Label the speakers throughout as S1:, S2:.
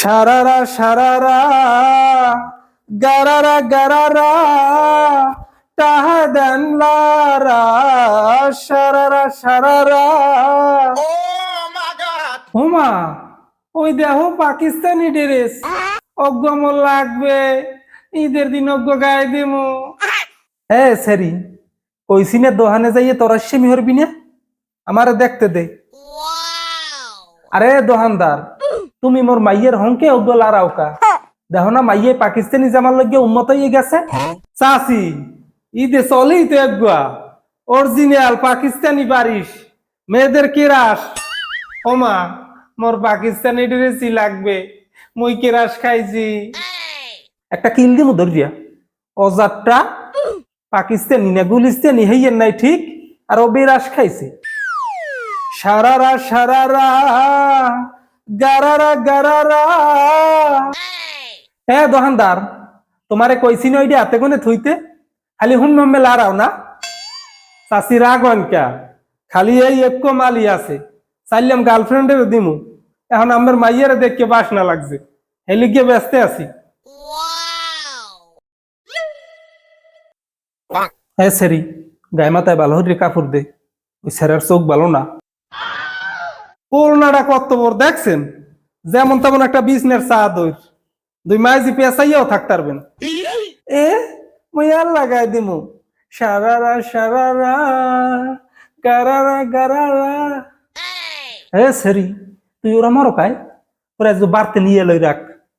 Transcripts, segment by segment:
S1: সারারা সারারা গারারা গারারা তাহাদান লারা সারারা সারারা। ওমা ওই দেখো পাকিস্তানি ড্রেস অজ্ঞ মন লাগবে, ঈদের দিন অজ্ঞ গায়ে দিমু। হ্যাঁ সেরি ওই সিনের দোকানে যাইয়ে তোরা সেমি হরবি না, আমারে দেখতে দে। আরে দোকানদার, তুমি মোর মাইয়ের হংকে অজ্ঞ লারাওকা, দেখো না মাইয়ে পাকিস্তানি জামার লগে উন্মত হয়ে গেছে। চাচি ঈদে চলেই তো একগুয়া অরিজিনাল পাকিস্তানি বারিশ মেয়েদের কেরাস। ওমা মোর পাকিস্তানি ড্রেসই লাগবে, মুই কেরাস খাইছি। একটা কিল দিমু ধরিয়া অজাতটা পাকিস্তানি না গুলিস্তানি হইয়ের নাই ঠিক, আর ও বেরাস খাইছে। সারারা সারারা গারারা গারারা। হ্যাঁ দোকানদার, তোমারে কইছি না ওইটা হাতে কোনে থইতে, খালি হুম হুম লারাও না। চাষি রাগন কা, খালি এই এক মালি আছে, চাইলাম গার্লফ্রেন্ডের দিমু, এখন আমার মাইয়ের দেখকে বাসনা লাগছে, হেলিকে ব্যস্ত আছি। হ্যাঁ সেরি গায়ে মাথায় ভালো হরি কাপড় দে, ওই স্যারের চোখ ভালো না। করোনাটা কত বড় দেখছেন, যেমন তেমন একটা বিজনেস চাদর, দুই মাইজি পেঁচাইয়াও থাকতে পারবেন। এ মুই আর লাগাই দিমু সারারা সারারা গারারা গারারা। হ্যাঁ সেরি তুই ওরা মারো কায়, ওরা একটু বাড়তে নিয়ে লই রাখ।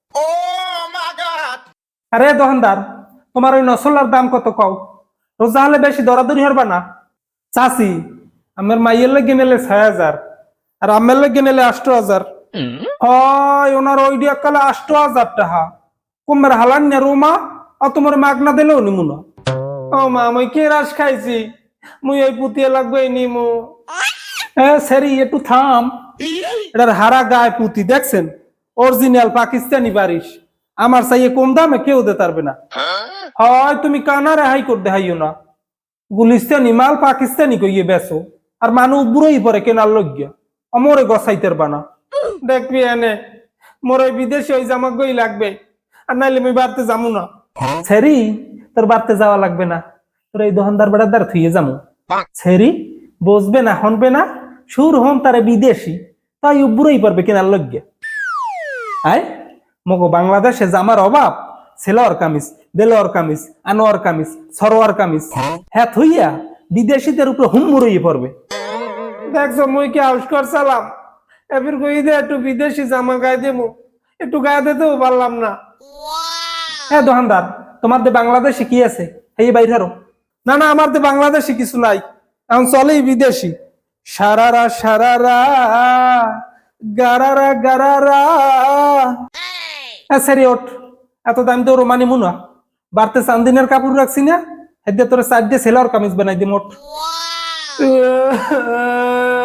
S1: আরে দোকানদার, তোমার ওই নসলার দাম কত কও, রোজা হলে বেশি দরাদরি হরবা না। চাচি আমার মাইয়ের লেগে নিলে 6,000 আর আমার লেগে নিলে 8,000। হয় ওনার ওই দিয়া কালে 8,000 টাকা কুমার হালান না রোমা, আর তোমার মাগনা দিলেও নিমু না। ও মা মুই কেরাস খাইছি, মুই ওই পুতিয়ে লাগবে নিমু। হ্যাঁ সেরি একটু থাম, এটার হারা গায়ে পুঁতি দেখছেন, অরিজিনাল পাকিস্তানি বারিশ, আমার চাইয়ে কম দামে কেউ দিতে পারবে না। হয় তুমি কানা রেহাই করতে হাইও না, গুলিস্তানি মাল পাকিস্তানি কইয়ে বেসো, আর মানুষ বুড়োই পরে কেনার লজ্ঞা আমরে গসাইতের বানা। দেখবি এনে মোর ওই বিদেশে ওই জামা গই লাগবে, আর নাইলে আমি বাড়তে যাবো না। ছেড়ি তোর বাড়তে যাওয়া লাগবে না, তোর এই দোকানদার বেড়াদার থুয়ে যাবো। ছেড়ি বসবে না হনবে না, সুর হন তারে বিদেশি, তাই বুড়োই পারবে কেনার লজ্ঞা। আয় মগো বাংলাদেশে জামার অভাব, সেলোয়ার কামিজ, দেলোয়ার কামিজ, আনোয়ার কামিজ, সরোয়ার কামিজ, হ্যাঁ থইয়া বিদেশিদের উপরে হুমুরই পড়বে। দেখছো মুই কি আউস্কর চালাম, এবার কই দে একটু বিদেশি জামা গায়ে দেবো, একটু গায়ে দিতেও পারলাম না। হ্যাঁ দোকানদার, তোমার দে বাংলাদেশে কি আছে এই বাইরেরও? না না আমার দে বাংলাদেশে কিছু নাই, এখন চলেই বিদেশি। সারারা সারারা গারারা গারারা। হ্যাঁ সেরি ওঠ, এত দাম তো রোমানি মুনা, বাড়তে চান্দিনের কাপড় রাখছি না, এদের তোর সাইড দিয়ে সেলার কামিজ বানাই দি মোট।